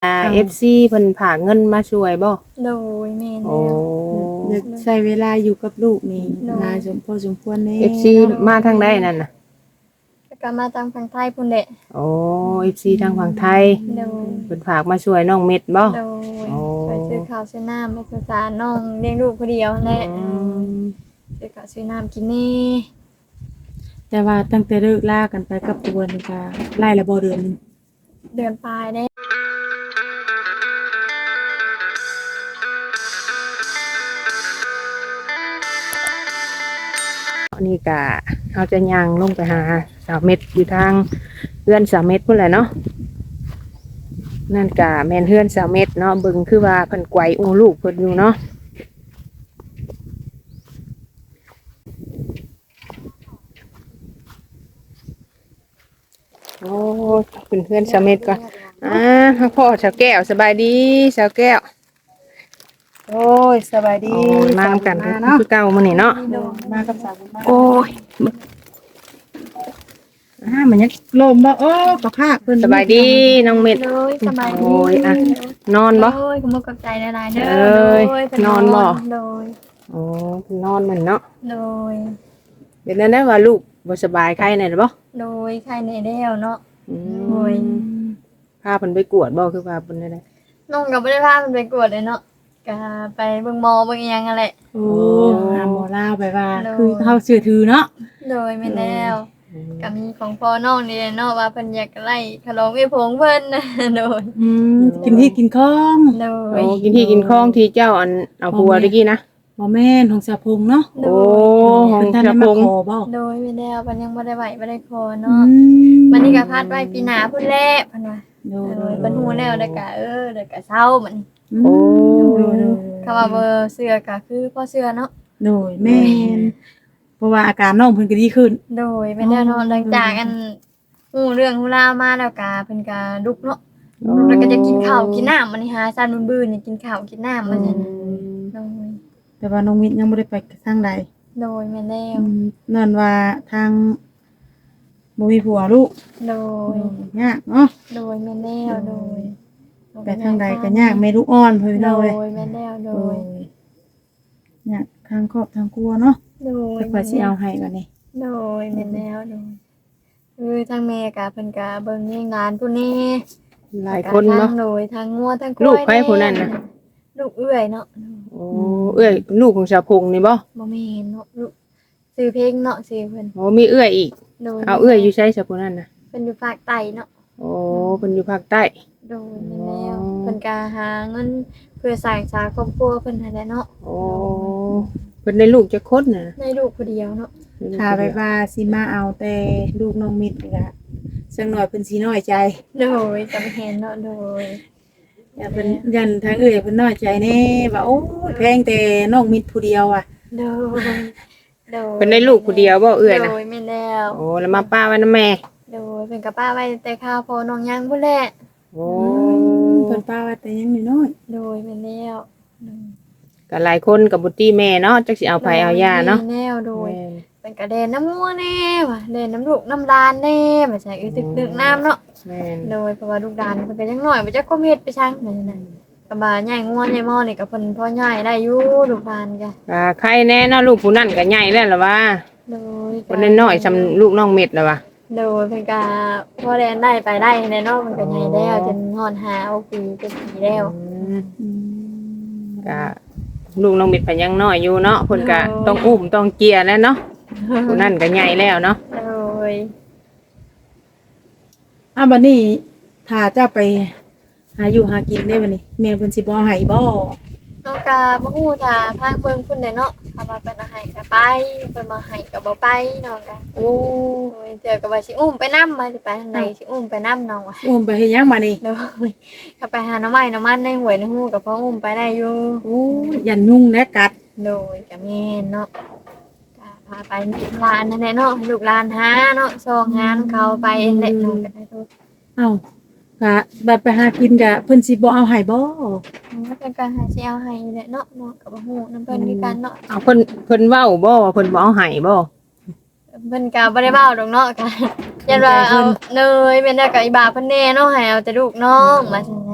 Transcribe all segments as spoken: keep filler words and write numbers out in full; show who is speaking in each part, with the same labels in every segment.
Speaker 1: อ่า
Speaker 2: เอา
Speaker 1: เอฟ ซี เพิ่นฝากเงินมาช่วยบ่
Speaker 3: โดยแม่น
Speaker 1: โอ้
Speaker 3: แล้ว
Speaker 2: อยากใช้เวลาอยู่กับลูกนี่
Speaker 3: เนาะ
Speaker 2: นานสมพอสมควรแน่
Speaker 1: เอฟ ซี
Speaker 2: เนาะ
Speaker 1: มาทางใดนั่นน่ะ
Speaker 3: แล้วก็มาตามฝั่งไทยพุ่นแหละ
Speaker 1: โอ้ เอฟ ซี ทางฝั่งไทย
Speaker 3: โดย
Speaker 1: เพิ่นฝากมาช่วยน้องเม็ดบ่
Speaker 3: โดย
Speaker 1: โอ้
Speaker 3: ไปซื้อข้าวซื้อน้ำไปภาษาน้องเลี้ยงลูกคนเดียวนั่นแหละ
Speaker 1: อืม
Speaker 3: ซื้อข้าวซื้อน้ำกินนี่
Speaker 2: แต่ว่าตั้งแต่เลิกลากันไปกับตัวนี่ก็ไล่ละบ่เดือนหนึง
Speaker 3: เดือนปลายได้
Speaker 1: นี่ก็เอาจะย่างลงไปหาสาวเม็ดอยู่ทางเฮือนสาวเม็ดพุ่นแหละเนาะนั่นก็แม่นเฮือนสาวเม็ดเนาะเบิ่งคือว่าเพิ่นไกวอุ้มลูกเพิ่นอยู่เนาะโอ้เป็นเพื่อนสาวเม็ดก่อนอ่าพ่อสาวแก้วสบายดีสาวแก้ว
Speaker 2: โอ้ยสบายดี
Speaker 1: โอ้ยมากัน
Speaker 2: มาเนาะ
Speaker 1: คือเก่ามื้อนี้เนาะ
Speaker 3: โดย
Speaker 2: มากับสาวบุญมา
Speaker 1: โอ้ย
Speaker 2: อ่ามันยังลมบ่โอ้กระพากเพิ่น
Speaker 1: สบายดีน้องเม็ด
Speaker 3: โดยสบายดี
Speaker 1: โอ้ยอะ นอนบ่
Speaker 3: โดยขโมยกับใจหลายๆเด้อ
Speaker 1: เอ้ย
Speaker 3: โดย
Speaker 1: นอนบ่
Speaker 3: โดย
Speaker 1: โอ้นอนเหมือนเนาะ
Speaker 3: โดย
Speaker 1: เป็นนั่นได้ว่าลูกบ่สบายไข้แน่บ่
Speaker 3: โดยใครในเดียวเนาะ
Speaker 1: อื
Speaker 3: โอ้ย
Speaker 1: มพาเพิ่นไปกวดบ่คือว่าเพิ่นได้ได
Speaker 3: น้องก็บ่ได้พามันไปกวดเลยเนาะก็ไปเบิ่งหมอเบิ่งอิหยังนั่นแหละ
Speaker 2: โอ้หาหมอลาวไปว่า
Speaker 3: โดย
Speaker 2: คือเขาเชื่อถือเนาะ
Speaker 3: โดยแม่นแล้วก็มีของพ่อน้องนี่แหละเนาะว่าเพิ่นอยากไล่ขนมไอ้ผงเพิ่น นะโดย
Speaker 2: อืมกินที่กินข้อง
Speaker 3: โด
Speaker 1: โอ้
Speaker 3: ย
Speaker 1: กินที่กินข้องที่เจ้าอันเอาผัวตะกี้นะ
Speaker 2: บ่แม่นของสะพงเนาะ
Speaker 3: โด
Speaker 1: โอ้
Speaker 3: ย
Speaker 1: ของ
Speaker 2: เพิ่นท่าน
Speaker 1: สะ
Speaker 2: ได้
Speaker 1: พ
Speaker 2: มาง ขอบ่
Speaker 3: โดยแม่นแล้วเพิ่นยังบ่ได้ไหวบ่ได้ขอ
Speaker 2: อื
Speaker 3: เนาะ
Speaker 2: ม
Speaker 3: วันนี้ก็พาดไว้ปีหน้าพุ่นแหละเพิ่นว่า
Speaker 2: โด
Speaker 3: โด
Speaker 2: ย
Speaker 3: ยเพิ่นฮู้แล้วแล้วก็เออแล้วก็เซามัน
Speaker 1: โอ้
Speaker 3: คำว่าเบอร์เสื้อก็คือพ่อเสื้อเนาะ
Speaker 2: โดยแม่นเพราะว่าอาการน้องเพิ่นก็ดีขึ้น
Speaker 3: โดยแม่นแล้วเนาะหลังจากอันฮู้เรื่องฮู้ราวมาแล้วก็เพิ่นก็ลุกเนาะแล้วก็จะกินข้าวกินน้ำมันนี่หาซันบื้อๆนี่กินข้าวกินน้ำมันนั่นน่ะโดย
Speaker 2: แต่ว่าน้องมิตรยังบ่ได้ไปทางใด
Speaker 3: โดยแม่นแล้ว
Speaker 2: อืมนั่นว่าทางบ่มีผัวลูก
Speaker 3: โดย
Speaker 2: ยากเนาะ
Speaker 3: โดยแม่นแล้วโดย
Speaker 2: ไปทางใดก็ยากแม่ลูกอ่อนเพิ่น
Speaker 3: โด
Speaker 2: เนาะเว้ย
Speaker 3: ยแม่นแล้วโด
Speaker 2: โอ้
Speaker 3: ย
Speaker 2: ยยากทางครอบทางครัวเนาะ
Speaker 3: โดย
Speaker 2: แต่กว่าสิเอาให้บัดนี้
Speaker 3: โดยแม่นแล้วโดยคือทางแม่ก็เพิ่นก็เบิ่งเลี้ยงหลานผู้นี้
Speaker 1: หลายคนเนาะ
Speaker 3: ทงโดยทางงัวทางควาย
Speaker 1: ลูกใครผู้นั้นน่ะ
Speaker 3: ลูกเอื้อยเนาะ
Speaker 1: โอ้เอ้ยลูกของชาวพงนี่บ่
Speaker 3: บ่แม่นเนาะลูกซื้อเพลงเนาะซื้อเพิ่น
Speaker 1: โอ้มีเอื้อยอีก
Speaker 3: โดย
Speaker 1: เอาเอื้อยอยู่ใช้ชาวพงนั่นน่ะ
Speaker 3: เพิ่นอยู่ภาคใต้เนาะ
Speaker 1: โอ้เพิ่นอยู่ภาคใต้
Speaker 3: โดยแม่นแล้ว
Speaker 1: อ๋อ
Speaker 3: เพิ่นก็หาเงินเพื่อสร้างสาครอบครัวเพิ่นนั่นแหละเนาะ
Speaker 1: โอ้เพิ่นได้ลูกจักคนน่ะ
Speaker 3: ในลูกผู้เดียวเนาะ
Speaker 2: ถ้าไปว่าสิมาเอาแต่ลูกน้องมิตรนี่ก็สักหน่อยเพิ่นสิน้อยใจ
Speaker 3: โดยจำเห็นเนาะโดย
Speaker 2: อย่าเพิ่นยันทางเอ้อยเพิ่นน้อยใจแน่ว่าโอ้ยแพงแต่น้องมิตรผู้เดียวอ่ะ
Speaker 3: โดยโดย
Speaker 1: เพิ่นได้ลูกผู้เดียวบ่เอื้อยน่ะ
Speaker 3: โดยแม่นแล้ว
Speaker 1: โอ้แล้วมาป้าไว้นำแม่
Speaker 3: โดยเพิ่นก็ป้าไว้แต่ข้าวพอน้องยังพุ่นแหละ
Speaker 1: โอ้
Speaker 2: เพิ่นป้าว่าแต่ยังน้อย
Speaker 3: โดยแม่นแล้วโดย
Speaker 1: ก็หลายคนก็บ่ตีแม่เนาะจักสิเอาไผเอาย่าเนาะ
Speaker 3: แม่นแล้วโดย
Speaker 1: แม่น
Speaker 3: เป็นกระเด็นน้ำงัวแน่ว่ะเด่นน้ำลูกน้ำลานแน่มาใส่อึดึกดึกน้ำเนาะ
Speaker 1: แม่น
Speaker 3: โดยเพราะว่าลูกดานมันก็ยังหน่อยมันจะก้มเฮ็ดไปช่างนั่นน่ะกระบาใหญ่งัวใหญ่หม้อนี่ก็เพิ่นพ่อใหญ่ได้อยู่ลูกดานก็
Speaker 1: ก็ใครแน่เนาะลูกผู้นั้นก็ใหญ่แล้วล่ะว่า
Speaker 3: โดย
Speaker 1: คนน้อยๆซำลูกน้องเม็ดแล้วว่า
Speaker 3: โดยเพิ่นก็พ่อแดนได้ไปได้แน่เนาะมันก็ใหญ่แล้วจนฮอดหาเอาปีเป็นปีแล้ว
Speaker 1: อืม
Speaker 2: ๆอืม
Speaker 1: ก็ลูกน้องเม็ดเพิ่นยังน้อยอยู่เนาะเพิ่นก็ต้องอุ้มต้องเกียร์แล้วเนาะผู้นั้นก็ใหญ่แล้วเนาะ
Speaker 3: โดย
Speaker 2: อ่ะบัดนี้ถ้าเจ้าไปหาอยู่หากินได้บัดนี้แม่เพิ่นสิบ่ให้บ่
Speaker 3: น้องก็บ่ฮู้ถ้าทางเบิ่งเพิ่นได้เนาะถ้าว่าเพิ่นเอาให้ก็ไปเพิ่นบ่ให้ก็บ่ไปน้องก็
Speaker 2: โอ้
Speaker 3: โอ้ยเจอกับว่าสิอุ้มไปนำมาสิไปทางใดสิอุ้มไปนำน้องว่ะ
Speaker 2: อุ้มไปเฮ็ดหยังบัดนี้
Speaker 3: โดยก็ไปหาหน้ำไม้น้ำมันในหวยในหูกับพ่ออุ้มไปได้อยู่
Speaker 2: โอ้ยยันยุ่งและกัด
Speaker 3: โดยกับแม่นเนาะก็พาไปลานนั่นแหละเนาะลูกลานหาเนาะซองงานเขาไปเองแหละน้องก็ได้ทุก
Speaker 2: เอ้าก็บัดไปหากินก็เพิ่นสิบ่เอาให้บ่
Speaker 3: มันเป็นการหาเชียวให้แหละเนาะเนาะกับหูน้ำเพิ่นคือกันเนาะ
Speaker 1: เอาเพิ่นเพิ่นเว้าบ่ว่าเพิ่นบ่เอาให้บ่
Speaker 3: เพิ่นก็บ่ได้เว้าดอกเนาะก็ยันว่าเอาเนยเป็นได้กับอีบาเพิ่นแน่เนาะให้เอาแต่ลูกน้องมาซั่นโอ้ย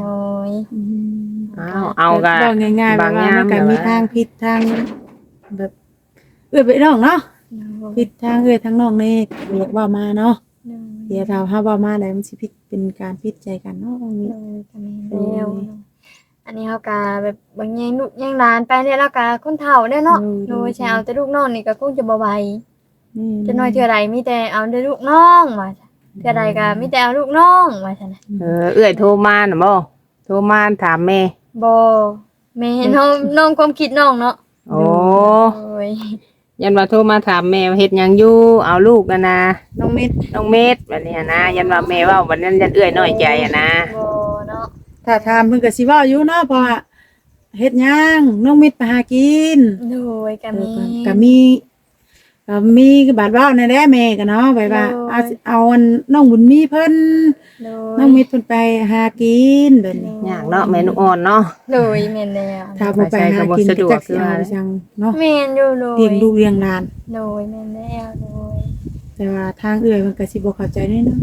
Speaker 3: ย
Speaker 2: อืม
Speaker 1: อ้าวเอาก็
Speaker 2: แบบง่ายๆแบบ
Speaker 1: บาง
Speaker 2: ว่า
Speaker 1: ย่าง
Speaker 2: มันก็
Speaker 1: แบบ
Speaker 2: มี
Speaker 1: ว่า
Speaker 2: ทางผิดทางแบบเอื้อไปน้องเนาะ
Speaker 3: โดย
Speaker 2: ผิดทางเอื้อทางน้องนี่เรียกว่ามาเนาะ
Speaker 3: โดย
Speaker 2: เดี๋ยวถ้าเฮาว่ามาแล้วมันสิผิดเป็นการผิดใจกันเนาะตรงนี้
Speaker 3: โดยก็แม่นแล้วเนาะอันนี้เฮาก็แบบบางแยงลูกแยงหลานไปเนี่ยแล้วก็คนเฒ่าเนี่ยเนาะโดยใช่เอาแต่ลูกน้องนี่ก็คงจะบ่ไหว
Speaker 2: นี่
Speaker 3: จะน้อยเทื่อใดมีแต่เอาแต่ลูกน้องว่าจ้ะเทื่อใดก็มีแต่เอาลูกน้องว่าซั่นน่ะ
Speaker 1: เออเอื้อยโทรมาน่ะบ่โทรมาถามแม่
Speaker 3: บ่แม่น้องน้องความคิดน้องเนาะ
Speaker 1: โอ้
Speaker 3: โอ้ย
Speaker 1: ยันว่าโทรมาถามแม่ว่าเฮ็ดหยังอยู่เอาลูกนะนะ
Speaker 2: น้องเม็ด
Speaker 1: น้องเม็ดแบบนี้นะยันว่าแม่เว่าวันนั้นยันเอื้อยน้อยใจอะนะ
Speaker 3: บ่เนาะ
Speaker 2: ถ้าถามเพิ่นก็สิเว้าอยู่เนาะเพราะว่าเฮ็ดหยังน้องเม็ดไปหากิน
Speaker 3: โดยก็มี
Speaker 2: ก็มีก็มีบาดเว้าในแหละแม่ก็เนาะไปว่า
Speaker 3: โอ้ย
Speaker 2: เอาสิเอาอันน้องบุญมีเพิ่น
Speaker 3: โด
Speaker 2: น้องเม็ดเพิ่นไปหากินแบบนี้
Speaker 1: ยากเนาะแม่นุอ่อนเนาะ
Speaker 3: โดยแม่นแล้ว
Speaker 2: ถ้าบ่ไปหากิน
Speaker 1: ไปใช้ก็บ่สะดวก
Speaker 2: จักสิเอาไปจังเนาะ
Speaker 3: แม่นอยู่โดย
Speaker 2: เลี้ยงลูกเลี้ยงหลาน
Speaker 3: โดยแม่นแล้วโดย
Speaker 2: แต่ว่าทางเอื้อยมันก็สิบ่เข้าใจแน่เนาะ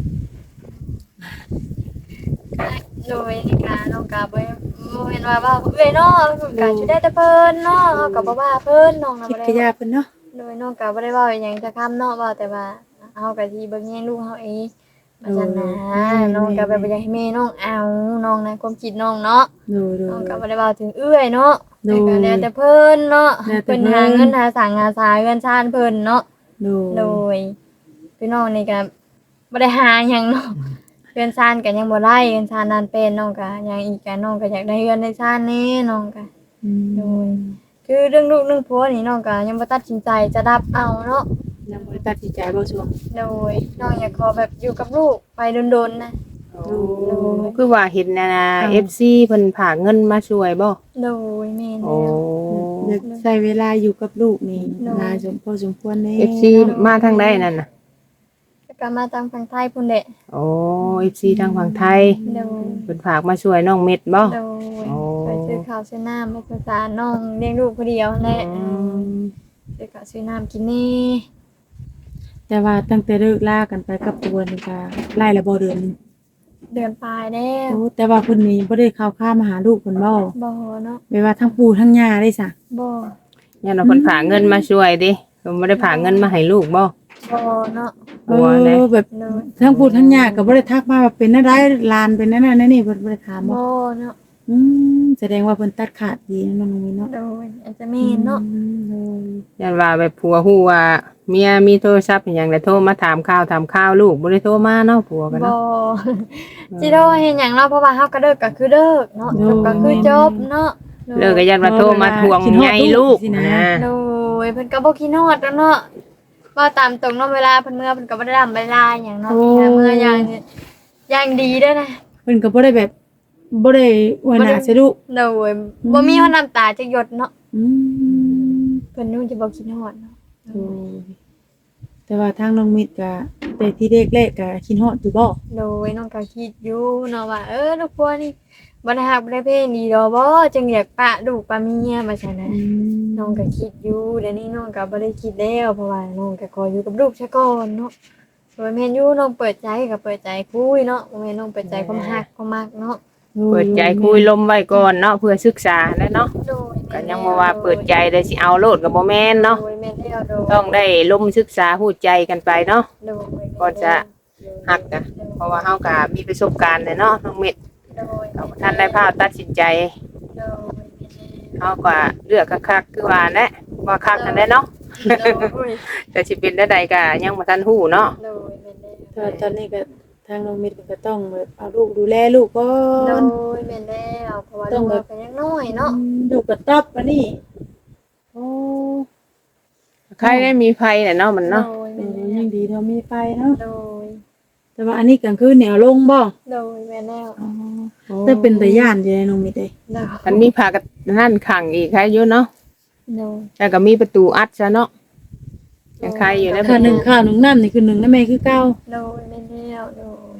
Speaker 3: โดยนี่ก็น้องก็บ่บ่แม่นว่าว่าเอ้ยเนาะก็สิได้แต่เพิ่นเนาะเฮาก็บ่ว่าเพิ่นน้องน่ะ
Speaker 2: คิด
Speaker 3: บ่
Speaker 2: กะ
Speaker 3: ได้
Speaker 2: ยาเพิ่นเนาะ
Speaker 3: โดยน้องก็บ่ได้เว้าอิหยังจะคำเนาะเว้าแต่ว่าเฮาก็สิเบิ่งแย่งลูกเฮาเองว่าซั่นนะน้องก็แบบบ่อยากให้แม่น้องเอาน้องนะความคิดน้องเนาะ
Speaker 2: ดูดู
Speaker 3: น้องก็บ่ได้เว้าถึงเอื้อยเนาะ
Speaker 2: โดย
Speaker 3: แต่ก็แล้วแต่เพิ่นเนาะ
Speaker 2: แล้วแต่
Speaker 3: เพิ่น
Speaker 2: เพิ่น
Speaker 3: หาเงินหาสังหาสายเงินชาญเพิ่นเนาะ
Speaker 2: ดู
Speaker 3: โดยพี่น้องนี่ก็บ่ได้หาหยังเนาะเงินชาญก็ยังบ่ได้เงินชาญนานเป็นน้องก็ยังอีกก็น้องก็อยากได้เงินในชาญแนี่น้องก็
Speaker 2: อืม
Speaker 3: โดย คือเรื่องลูกเรื่องผัวนี่น้องก็ยังบ่ตัดสินใจจะรับเอาเนาะ
Speaker 2: ยังบ่ได้ตัดสินใจบ่ช่วง
Speaker 3: โดยน้องอยากขอแบบอยู่กับลูกไปโดนๆนะ
Speaker 1: โอ้คือว่าเห็นนะนะ เอฟ ซี เพิ่นผากเงินมาช่วยบ่
Speaker 3: โดยแม่น
Speaker 1: โอ้
Speaker 3: แล้ว
Speaker 2: อยากใช้เวลาอยู่กับลูกนี่
Speaker 3: เนาะ
Speaker 2: นานสมพอสมควรแน่
Speaker 1: เอฟ ซี มาทางใดนั่นน่ะ
Speaker 3: แล้วก็มาทางฝั่งไทยพุ่นแหละ
Speaker 1: โอ้ เอฟ ซี ทางฝั่งไทย
Speaker 3: โดย
Speaker 1: เพิ่นผากมาช่วยน้องเม็ดบ่
Speaker 3: โดย
Speaker 1: โอ้
Speaker 3: ไปซื้อข้าวซื้อน้ำไปศึกษาน้องเลี้ยงลูกคนเดียวนั่นแหละ
Speaker 1: อืม
Speaker 3: ซื้อข้าวซื้อน้ำกินนี่
Speaker 2: แต่ว่าตั้งแต่เลิกลากันไปกับตัวนี่ก็ไล่ละบ่เดือนหนึง
Speaker 3: เดือนปลายแล้ว
Speaker 2: โอ้แต่ว่าเพิ่นนี่บ่ได้เข้าข้ามมาหาลูกเพิ่นบ่
Speaker 3: บ่เนาะ
Speaker 2: แม่ว่าทั้งปู่ทั้งย่าได้ซะ
Speaker 3: บ่
Speaker 1: ยันว่าเพิ่นผากเงินมาช่วยดิเพิ่นบ่ได้ผากเงินมาให้ลูกบ่
Speaker 3: บ่เนาะ
Speaker 2: เอ
Speaker 1: บัวนะ
Speaker 2: อแบบ
Speaker 3: โดย
Speaker 2: ทั้งปู่ทั้งย่าก็บ่ได้ทักมาว่าเป็นอะไรหลานเป็นนั่นนั่นนี่เพิ่นบ่ได้ถามบ่
Speaker 3: บ่เนาะ
Speaker 2: อืมแสดงว่าเพิ่นตัดขาดดีนะน้องมีเนาะ
Speaker 3: โดยอาจจะแม่นเนาะ
Speaker 2: อืมโดย
Speaker 1: ยันว่าแบบผัวฮู้ว่าเมียมีโทรศัพท์อหย่างแล้วโทรมาถามข่าวถามข่าวลูกบ่ได้โทรมาเนาะผัวกัน
Speaker 3: บ่
Speaker 1: เนาะ
Speaker 3: สิโดเฮ็ดหยังเนาะเพราะว่าเฮาก็เลิกก็คือเลิกเนาะจบก็คือจบเนาะ
Speaker 1: เลิกก็ยันว่าโทรมาทวงใหญ่ลูกนะ
Speaker 3: โดยเพิ่นก็บ่คิดฮอดแล้วเนาะว่าตามตรงเนาะเวลาเพิ่นเมื่อเพิ่นก็บ่ได้ดำเวลาหยังเนาะมีแต่เมื่ออย่างอย่างดีเด้อนะ
Speaker 2: เพิ่นก็บ่ได้แบบบ่ได้อวยหน้าใส่ลูก
Speaker 3: โดยบ่มีฮอดน้ำตาจักหยดเนาะ
Speaker 2: อืม
Speaker 3: เพิ่นนู่นจะบ่คิดฮอดเนาะ
Speaker 2: โอ้ยแต่ว่าทางน้องมิตรก็แต่ที่แรกๆก็คิดฮอดอยู่บ่
Speaker 3: โดยน้องก็คิดอยู่เนาะว่าเออลูกพัวนี่บ่ได้ฮักบ่ได้เพลงดีดอกบ่จึงอยากปะลูกปะเมียว่าซั่นน่ะ น้องก็คิดอยู่เดี๋ยวนี้น้องก็บ่ได้คิดแล้วเพราะว่าน้องก็ขออยู่กับลูกซะก่อนเนาะโดยแม่นอยู่น้องเปิดใจก็เปิดใจคุยเนาะบ่แม่นน้องเปิดใจความฮักความมักเนาะ
Speaker 1: เปิดใจคุยลมไว้ก่อนเนาะเพื่อศึกษาแล้วเนาะ
Speaker 3: โดย
Speaker 1: ก็ยังบ่ว่าเปิดใจได้สิเอาโลดก็บ่แม่นเนาะ
Speaker 3: โดยแม่นแล้วโดย
Speaker 1: ต้องได้ลมศึกษาฮู้ใจกันไปเนาะ
Speaker 3: โดย
Speaker 1: ก็จะ ฮักนะเพราะว่าเฮาก็มีประสบการณ์แหละเนาะน้องเม็ด
Speaker 3: โดย
Speaker 1: ก็บ่ทันได้พาตัดสินใจ
Speaker 3: โดย
Speaker 1: เฮาก็เลือกคักๆคือว่าแหละว่าคักกันได้เนาะ
Speaker 3: โดย
Speaker 1: แต่สิเป็นได้ใดก็ยังบ่ทันฮู้เนาะ
Speaker 3: โดยแม่นแล้ว
Speaker 2: ตอนนี้ก็ทางน้องมิตรก็ต้องแบบเอาลูกดูแลลูกก่อ
Speaker 3: โด
Speaker 2: น
Speaker 3: ยแม่นแล้วเพราะว่าลูกเราเป็นยังน้อยเนาะ
Speaker 2: ลูกก็ตอบอันนี้โอ้
Speaker 1: ใครได้มีไผแหละเนาะมัน
Speaker 3: โด
Speaker 1: เนาะ
Speaker 3: ย
Speaker 2: เอ
Speaker 3: แม่น
Speaker 2: อ
Speaker 3: แล้
Speaker 2: ยั
Speaker 3: ว
Speaker 2: งดีเท่ามีไฟเนาะ
Speaker 3: โดย
Speaker 2: แต่ว่าอันนี้กลางคืนเนี่ยเอาลงบ่
Speaker 3: โดยแม่นแล้ว
Speaker 2: อ๋อแต่เป็นตาย่านอยู่ในน้องมิตรเด้
Speaker 3: โดย
Speaker 1: มันมีผากับนั่นขังอีกใครอยู่เนาะ
Speaker 3: โดย
Speaker 1: แล้วก็มีประตูอัดซะเนาะยังใครอยู่แล้ว
Speaker 2: ข้าวหนึ่งข้าวหนึ่งน้ำนี่คือหนึ่งน้ำแม่คือเก้า
Speaker 3: โดยแม่นแล้วโดย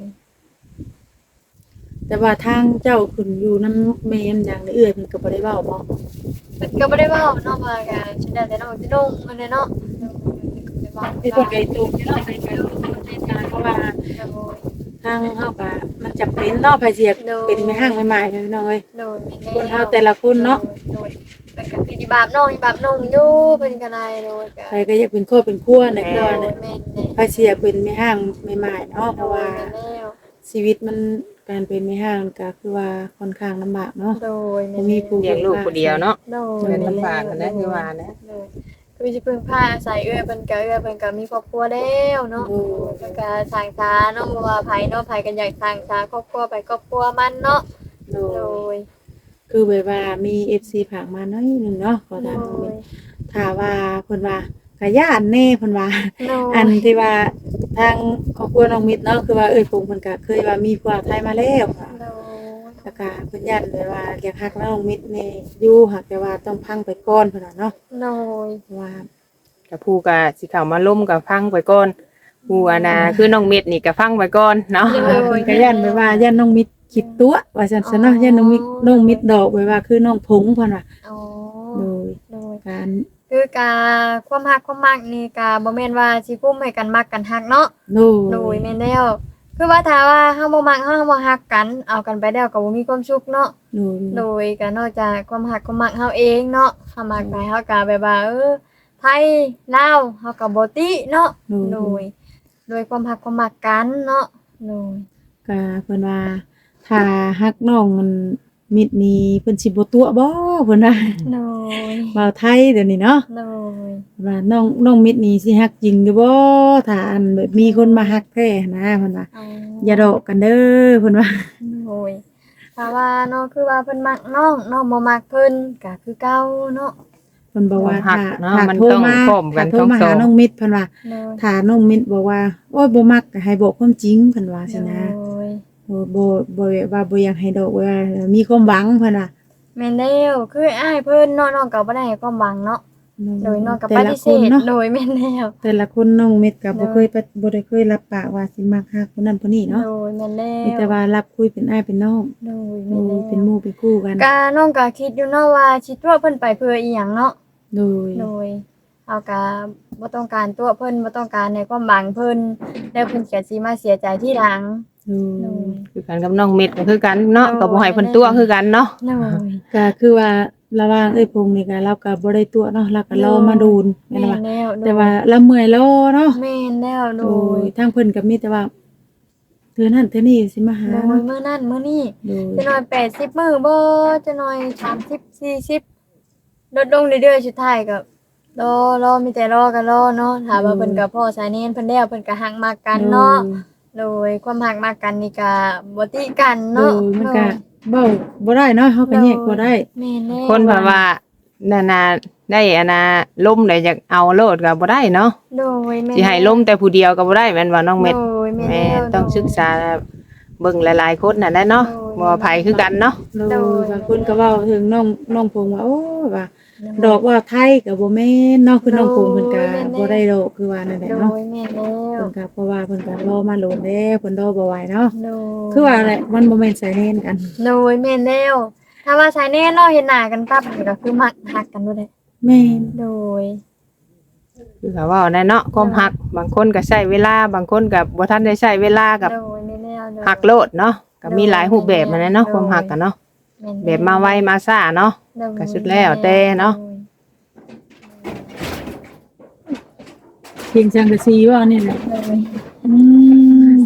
Speaker 2: แต่ว่าทางเจ้าขึ้นอยู่น้ำแม่นอย่างเอื้อยเพิ่นก็บ่ได้เว้าบ่
Speaker 3: มันก็ไม่ได้เว่าเนาะว่ากันฉันได้แต่น้องจะนุ่งมันเลยเนาะ
Speaker 2: ไอ้ตัวไก่ตูมนี่เนาะไอ้ไก่ตูมในตาเพราะว่าททางเฮาก็มันจำเป็นเนาะไผสิอยากเป็นแม่ห้างใหม่ๆเด้อพี่น้องเอ้ย
Speaker 3: โดยแม่
Speaker 2: คนเฮาแต่ละคนเนาะ
Speaker 3: โดยเป็นก็คือที่บาปน้องอีบาปน้องอยู่เพิ่นก็ได้โดยก็
Speaker 2: ใครก็อยากเป็นครอบเป็นครัวในค
Speaker 3: โด
Speaker 2: รัวย เนี่ย
Speaker 3: แม่นแน่
Speaker 2: ไผสิอยากเป็นแม่ห้างใหม่ๆเนาะเพราะว่า
Speaker 3: โดยแม่แล้ว
Speaker 2: ชีวิตมันการเป็นแม่ห้างก็คือว่าค่อนข้างลำบากเนาะ
Speaker 3: โดยแม่
Speaker 2: บ่
Speaker 3: น
Speaker 2: มีผู้
Speaker 1: เลี้ยงลูกผู้เดียวเนาะ
Speaker 3: โดย
Speaker 1: เงินลำบากกันนะคือว่านะ
Speaker 3: โดยคือสิพึ่งพาอาศัยเอื้อเพิ่นก็เอื้อเพิ่นก็มีครอบครัวแล้วเนาะ
Speaker 2: โอ้
Speaker 3: เพิ่นก็สร้างสาเนาะบ่ว่าไผเนาะไผก็อยากสร้างสาครอบครัวไปครอบครัวมันเนาะ
Speaker 2: โด
Speaker 3: โด
Speaker 2: ย
Speaker 3: ย
Speaker 2: คือแบบว่ามี เอฟ ซี ฝากมาน้อยหนึงเนาะขอ
Speaker 3: โด
Speaker 2: ถาม
Speaker 3: ย
Speaker 2: ถ้าว่าเพิ่นว่าก็ย่านแน่เพิ่นว่า
Speaker 3: โดย
Speaker 2: อันที่ว่าทางครอบครัวน้องมิตรเนาะคือว่าเอ้ยผมเพิ่นก็เคยว่ามีผัวไทยมาแล้วค่ะ
Speaker 3: โดย
Speaker 2: แล้วก็เพิ่นยันเลยว่าอยากฮักน้องมิตรนี่อยู่หากแต่ว่าต้องพังไปก่อนเพิ่นว่าเนาะ
Speaker 3: โดย
Speaker 2: เพราะว่า
Speaker 1: กับผู้ก็สิเข้ามาล้มกับพังไปก่อนผู้อานาคือน้องเม็ดนี่ก็พังไปก่อนเนาะ
Speaker 2: เพิ่นก็ยันไปว่ายันน้องมิตรคิดตัวว่าซั่นซะเนาะยันน้องมิตรน้องมิตรดอกไว้ว่าคือน้องผงเพิ่นว่า
Speaker 3: อ๋อ
Speaker 2: โดย
Speaker 3: โดย
Speaker 2: การ
Speaker 3: คือกาความฮักความมักนี่กาบ่แม่นว่าสิกุ้มให้กันมักกันฮักเนาะ
Speaker 2: โด
Speaker 3: โดย
Speaker 2: ย
Speaker 3: แม่นแล้ว คือว่าถ้าว่าเฮาบ่มักเฮาบ่ฮักกัน เอากันไปแล้วก็บ่มีความสุขเนาะ
Speaker 2: โดย
Speaker 3: โดยก็นอกจากความฮักความมักเฮาเองเนาะเฮามักไปเฮาก็แบบว่าเออไทยลาวเฮาก็บ่ติเนาะ โดย โดยความฮักความมักกันเนาะ โดย
Speaker 2: ก็เพิ่นว่าถ้าฮักน้องมันมิตรนี่เพิ่นสิบ่ตัวบ่เพิ่นว่า
Speaker 3: โดย
Speaker 2: เว้าไทยเดี๋ยวนี้เนาะ
Speaker 3: โดย
Speaker 2: ว่าน้องน้องมิตรนี่สิฮักจริงอยู่บ่ถ้าอันแบบมีคนมาฮักแท้นะเพิ่นว่า
Speaker 3: อ๋อ
Speaker 2: อย่าดอกกันเด้อเพิ่นว่า
Speaker 3: โอ้ยถ้าว่าเนาะคือว่าเพิ่นมักน้องน้องบ่มักเพิ่นก็คือเก่าเนาะ
Speaker 2: เพิ่นบอกว่า
Speaker 1: ฮัก
Speaker 2: ถ้า
Speaker 1: เนาะ
Speaker 2: ถ้า
Speaker 1: มัน
Speaker 2: โทร
Speaker 1: ต้อง
Speaker 2: มา
Speaker 1: พร้อมกัน
Speaker 2: ถ้าโทรมา
Speaker 1: ทั้งสอ
Speaker 2: หาง น้องมิตรเพิ่นว่า
Speaker 3: โดย
Speaker 2: ถ้าน้องมิตรบอกว่าโอ้ยบ่มักก็ให้บอกความจริงเพิ่นว่าสินะ
Speaker 3: โดย
Speaker 2: โอ้บ่บ่ว่าบ่อยากให้ดอกว่ามีความหวังเพิ่นว่า
Speaker 3: แม่นแล้วคืออ้ายเพิ่นเนาะน้องก็บ่ได้ให้ความหวังเนาะโดยน้องก็
Speaker 2: แต่
Speaker 3: ป
Speaker 2: ละ
Speaker 3: ฏิ
Speaker 2: ค
Speaker 3: เส
Speaker 2: น
Speaker 3: ธ
Speaker 2: เนาะ
Speaker 3: โดยแม่นแล้ว
Speaker 2: แต่ละคนน้องมิตรก็บ่
Speaker 3: เนาะ
Speaker 2: เคยปะบ่ได้เคยรับปากว่าสิมักฮักคนนั้นคนนี้เนาะ
Speaker 3: โดยแม่นแล้
Speaker 2: มีแต่
Speaker 3: ว
Speaker 2: ว่ารับคุยเป็นอ้ายเป็นน้อง
Speaker 3: โดย
Speaker 2: โอ้
Speaker 3: แม่นแล้ว
Speaker 2: เป็นหมู่เป็นคู่กัน
Speaker 3: กาน้องก็คิดอยู่เนาะว่าสิตัวเพิ่นไปเพื่ออีหยังเนาะ
Speaker 2: โดย
Speaker 3: โดยเอาก็บ่ต้องการตัวเพิ่นบ่ต้องการในความหวังเพิ่นแล้วเพิ่นก็สิมาเสียใจทีหลัง
Speaker 2: โด
Speaker 3: โด
Speaker 2: ย
Speaker 3: ย
Speaker 1: คือกันกับน้องเม็ดก็คือกันเนาะ
Speaker 3: โอ้
Speaker 1: ก็บ่ให้เพิ่นตัวคือกันเนาะ
Speaker 3: โดย
Speaker 2: ก็คือว่าระหว่างเอ้ยพงนี่ก็เราก็บ่ได้ตัวเนาะเราก็รอมาดูนแม่
Speaker 3: แม่
Speaker 2: นว่าน
Speaker 3: แล้วโดย
Speaker 2: แต่ว่าเราเมื่อยรอเนาะ
Speaker 3: แม่นแล้วโด
Speaker 2: โด
Speaker 3: ย
Speaker 2: ยทางเพิ่นก็มีแต่ว่าเธอนั่นเธอนี่สิมาหา
Speaker 3: โดย
Speaker 2: เนาะ
Speaker 3: มื้อนั้นมื้อนี้
Speaker 2: โดย
Speaker 3: จะหน่อยแปดสิบมื้อบ่จะหน่อยสามสิบ สี่สิบลดลงเรื่อยๆสุดท้ายก็รอรอมีแต่รอกันรอเนาะถามว่าเพิ่นก็พ่อสายเน้นเพิ่นแล้วเพิ่นก็ฮักมากกันเนาะโดยความฮักมากกันนี่ก็บ่ติกัน
Speaker 2: โด
Speaker 3: เนาะ
Speaker 2: ยมันก็เว้าบ่ได้เนาะเฮาก็แยกบ่ได้
Speaker 3: แม่นแล้ว
Speaker 1: คนเพิ่นว่านานาได้อานาล้มได้อยากเอาโลดก็บ่ได้เนาะ
Speaker 3: โดยแม่น
Speaker 1: สิให้ล้มแต่ผู้เดียวก็บ่ได้แม่นว่าน้องเม็ด
Speaker 3: โดยแม่น
Speaker 1: แม่
Speaker 3: แล้ว
Speaker 1: ต้องศึกษาเบิ่งหลายๆคนน่ะแหละเนาะ
Speaker 3: โดย
Speaker 1: บ่ว่าไผคือกันเนาะ
Speaker 2: โด
Speaker 3: โด
Speaker 2: ย
Speaker 3: ย
Speaker 2: บางคนก็เว้าถึงน้องน้องพงว่าโอ้ว่าดอกว่าไทยก็บ่แม่นเนาะคือน้องพงเพิ่นก็บ่ได้ดอกคือว่านั่นแหละ
Speaker 3: โด
Speaker 2: เนาะ
Speaker 3: ยแม่นแล้ว
Speaker 2: เพิ่นก็เพราะว่าเพิ่นก็รอมาโหลดแล้วเพิ่นรอบ่ไหวเนาะ
Speaker 3: โดย
Speaker 2: คือว่าแหละมันบ่แม่นสายเล่นกัน
Speaker 3: โดยแม่นแล้วถ้าว่าสายแน่เนาะเห็นหน้ากันปั๊บก็คือมักฮักกันบ่ได้
Speaker 2: แม่น
Speaker 3: โดย
Speaker 1: คือเขาเว้าแน่เนาะความฮักบางคนก็ใช้เวลาบางคนก็บ่ทันได้ใช้เวลากับ
Speaker 3: โดยแม่นแล้วโดย
Speaker 1: ฮักโลดเนาะก็มีหลายรูปแบบมาแน่เนาะความฮักกันเนาะ
Speaker 3: ม่น
Speaker 1: แบบมาไวมาซ่าเนาะ
Speaker 3: โดย
Speaker 1: ก็สุดแล้วแต่เนาะ
Speaker 2: เพียงจังกะซีว่านี่แหละ
Speaker 3: โดย
Speaker 2: อืม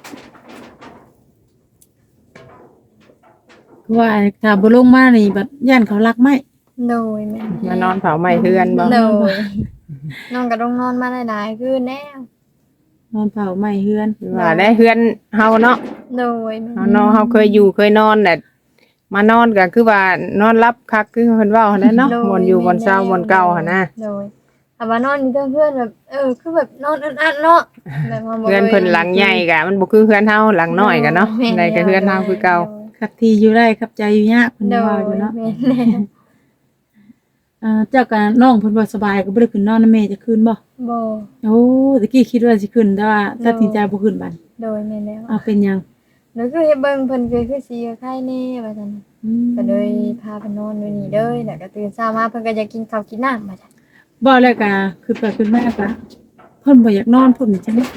Speaker 2: คือว่าถ้าบ่ลงมานี่บัดย่านเขารักไหม
Speaker 3: โดยแม่
Speaker 1: มานอนเผาไหม้เฮือนบ่
Speaker 3: โดยน้องก็ต้องนอนมาหลายๆคืนแน่
Speaker 2: นอนเผาไหม้เฮือน
Speaker 1: ว่าได้เฮือนเฮาเนาะ
Speaker 3: โดยแม่
Speaker 1: เฮาเนาะเฮาเคยอยู่เคยนอนน่ะมานอนก็คือว่านอนรับคักคือเพิ่นเว้าหั่นแหละเนาะม่วนอยู่บ่อนเช้าม่วนเก่าหั่นนะ
Speaker 3: โดยแต่ว่านอนอยู่เพื่อนๆแบบเออคือแบบนอนอัดๆเนาะแบบว่าบ่
Speaker 1: เฮือนเพิ่นหลังใหญ่ก็มันบ่คือเฮือนเฮาหลังน้อยก็เนาะ
Speaker 3: แม่
Speaker 1: ได้ก็เฮือนเฮาคือเก่า
Speaker 2: ขับทีอยู่ได้ขับใจอยู่ยากเพิ่น
Speaker 3: โด
Speaker 2: ว่าย อยู่เนาะ
Speaker 3: แม่นแล้ว
Speaker 2: อ่าเจ้าก็น้องเพิ่นบ่สบายก็บ่ได้ขึ้นนอนนำแม่จะขึ้นบ่
Speaker 3: บ่
Speaker 2: โอ้ตะกี้คิดว่าสิขึ้นแต่ว่าตัดสินใจบ่ขึ้นบัด
Speaker 3: โดยแม่นแล้ว
Speaker 2: เอาเป็นหยัง
Speaker 3: แล้วคือเฮ็ดเบิ่งเพิ่นคือคือสิไข้แน่ว่าซั่น
Speaker 2: อืม
Speaker 3: ก็เลยพาเพิ่นนอนอยู่นี่เด้อแล้วก็ตื่นเช้ามาเพิ่นก็อยากกินข้าวกินน้ำว่าซั่น
Speaker 2: บ่แล้วก็คือไปขึ้นมาก็เพิ่นบ่อยากนอนพุ่นจัง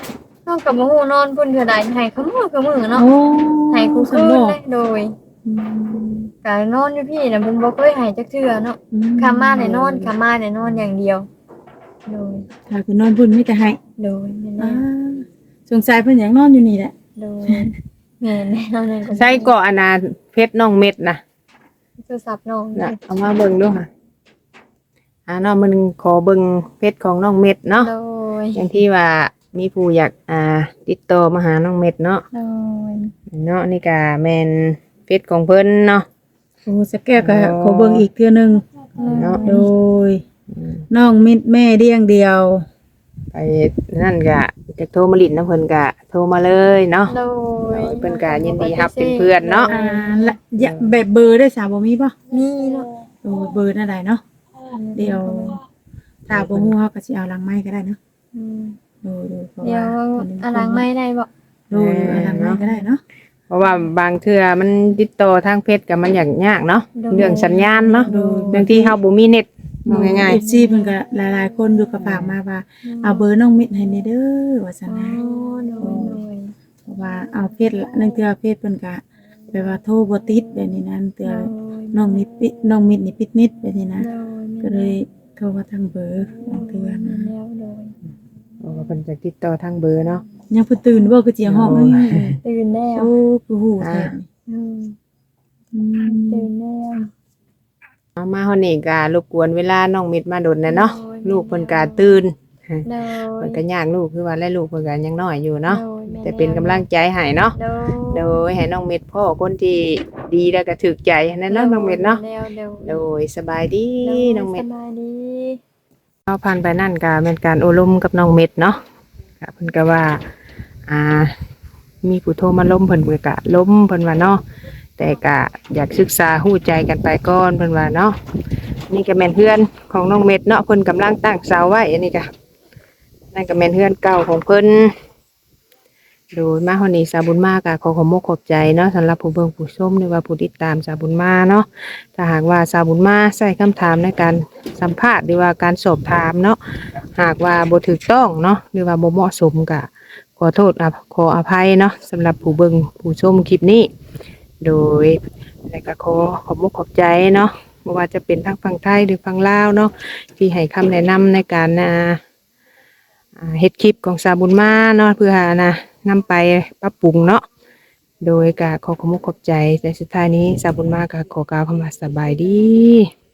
Speaker 3: น้องก็บ่ฮู้นอนพุ่นเทื่อใดให้ขมื้อขมื้อเนาะ
Speaker 2: โอ้
Speaker 3: ให้กู
Speaker 2: ส
Speaker 3: คื
Speaker 2: ม
Speaker 3: น
Speaker 2: บ่
Speaker 3: เลยโดย
Speaker 2: อืม
Speaker 3: ก็นอนอยู่พี่น่ะเพิ่นบ่เคยให้จักเทื่อเนาะคามาได้นอนคามาได้นอนอย่างเดียว โดย
Speaker 2: ถ้าคือนอนพุ่นมีแต่ให้
Speaker 3: โดยแม่น
Speaker 2: อ่า
Speaker 3: แน่
Speaker 2: สงสัยเพิ่นอยากนอนอยู่นี่แหละ
Speaker 3: โดยแม่นแน่เอานั่นก็
Speaker 1: ใส่เกาะอนาเพชรน้องเม็ดนะ
Speaker 3: โทรศัพท์น้อง
Speaker 1: น่ะเอามาเบิ่งดูค่ะอ่าเนาะมันขอเบิ่งเพชรของน้องเม็ดเนาะ
Speaker 3: โดย
Speaker 1: อย่างที่ว่ามีผู้อยากอ่าติดต่อมาหาน้องเม็ดเนาะ
Speaker 3: โดย
Speaker 1: เนาะนี่ก็แม่นเพชรของเพิ่นเนาะ
Speaker 2: โอ้สแก้วก็ขอเบิ่งอีกเทื่อหนึง
Speaker 1: เนาะ
Speaker 2: โดยน้องมิตรแม่เดียงเดียว
Speaker 1: ไปนั่นก็จะโทรมาลิ้นนะเพิ่นก็โทรมาเลยเนาะ
Speaker 3: โดย
Speaker 1: เพิ่นก็ยินดีรับเป็นเพื่อนเนาะ
Speaker 2: อ่าและอย่าแบบเบอร์ได้สาวบ่มีป่ะ
Speaker 3: มีเนาะ
Speaker 2: โอ้เบอร์นั่นได้เนาะเดี๋ยวถ้าบ่ฮู้เฮาก็สิเอาหลังไม้ก็ได้เนาะ
Speaker 3: อืม
Speaker 2: โดยๆเพราะ
Speaker 3: เดี๋ยว
Speaker 2: ว่า
Speaker 3: อลังไม่ได้บ่
Speaker 2: โดยๆเอาหลังไม้ก็ได้เนาะ
Speaker 1: เพราะว่าบางเทื่อมันติดต่อทางเพชรก็มันยากยากเนาะเรื่องสัญญาณเนาะบางทีเฮาบ่มีเน็ตว่าง่าย
Speaker 2: เอฟซีเพิ่นก็หลายๆคนอยู่กับฝากมาว่าเอาเบอร์น้องมิตรให้นี่เด้อว่าซั่น
Speaker 3: อ๋อ
Speaker 2: นะ
Speaker 3: โดยโดย
Speaker 2: เพราะว่าเอาเพชรละนั่นคือเพชรเพิ่นก็แปลว่าโทรบ่ติดแบบนี้นั่นเตือน้องมิตรปิน้องมิตรนี่ปิดนิดแบบนี้นะ
Speaker 3: โดย
Speaker 2: ก็เลยโทรมาทางเบอร์บางเทื่อนะ
Speaker 3: แล้วโดย
Speaker 1: ๆเพราะว่าเพิ่นจะติดต่อทางเบอร์เนาะ
Speaker 2: ยังเพิ่นตื่นบ่คือเจียงห้อง
Speaker 1: โอ้
Speaker 2: เอ้ย
Speaker 3: ตื่นแล้ว
Speaker 2: โอ้คือหูแท้
Speaker 3: อืม
Speaker 2: อืม
Speaker 3: ตื่นแล้ว
Speaker 1: เอามาเฮานี่ก็รบกวนเวลาน้องเม็ดมาดนนะเนาะลูกเพิ่นก็ตื่น
Speaker 3: โดย
Speaker 1: เพิ่นก็ยากลูกคือว่าและลูกเพิ่นก็ยังน้อยอยู่เนาะ
Speaker 3: โดยแม่
Speaker 1: แต่เป็นกำลังใจให้เนาะ
Speaker 3: โดย
Speaker 1: โดยให้น้องเม็ดพ่อคนที่ดีแล้วก็ถูกใจนั่นเนาะน้องเม็ดเนาะ
Speaker 3: แล้วโดย
Speaker 1: โดยสบายดี
Speaker 3: โดย
Speaker 1: น้องเม็ด
Speaker 3: สบายดี
Speaker 1: เอาผ่านไปนั่นก็เป็นการโอลมกับน้องเม็ดเนาะก็เพิ่นก็ว่า อ่า มีผู้โทรมาล้มเพิ่นเพิ่นก็ล้มเพิ่นว่าเนาะแต่ก็อยากศึกษาฮู้ใจกันไปก่อนเพิ่นว่าเนาะนี่ก็แม่นเพื่อนของน้องเม็ดเนาะเพิ่นกำลังตั้งเสาไว้อันนี้ก็นั่นก็แม่นเพื่อนเก่าของเพิ่นโดยมาเฮานี้สาวบุญมาก็ขอขอบมกขอบใจเนาะสำหรับผู้เบิ่งผู้ชมหรือว่าผู้ติดตามสาวบุญมาเนาะถ้าหากว่าสาวบุญมาใส่คำถามในการสัมภาษณ์หรือว่าการสอบถามเนาะหากว่าบ่ถูกต้องเนาะหรือว่าบ่เหมาะสมก็ขอโทษอ่ะขออภัยเนาะสำหรับผู้เบิ่งผู้ชมคลิปนี้ โดยและก็ขอขอบมุกขอบใจเนาะไม่ว่าจะเป็นทั้งฝั่งไทยหรือฝั่งลาวเนาะที่ให้คำแนะนำในการอ่าอ่าเฮ็ดคลิปของสาวบุญมาเนาะเพื่อนะนำไปปรับปรุงเนาะโดยก็ขอขอบมุกขอบใจในสุดท้ายนี้สาวบุญมาก็ขอกล่าวคำว่าสบายดี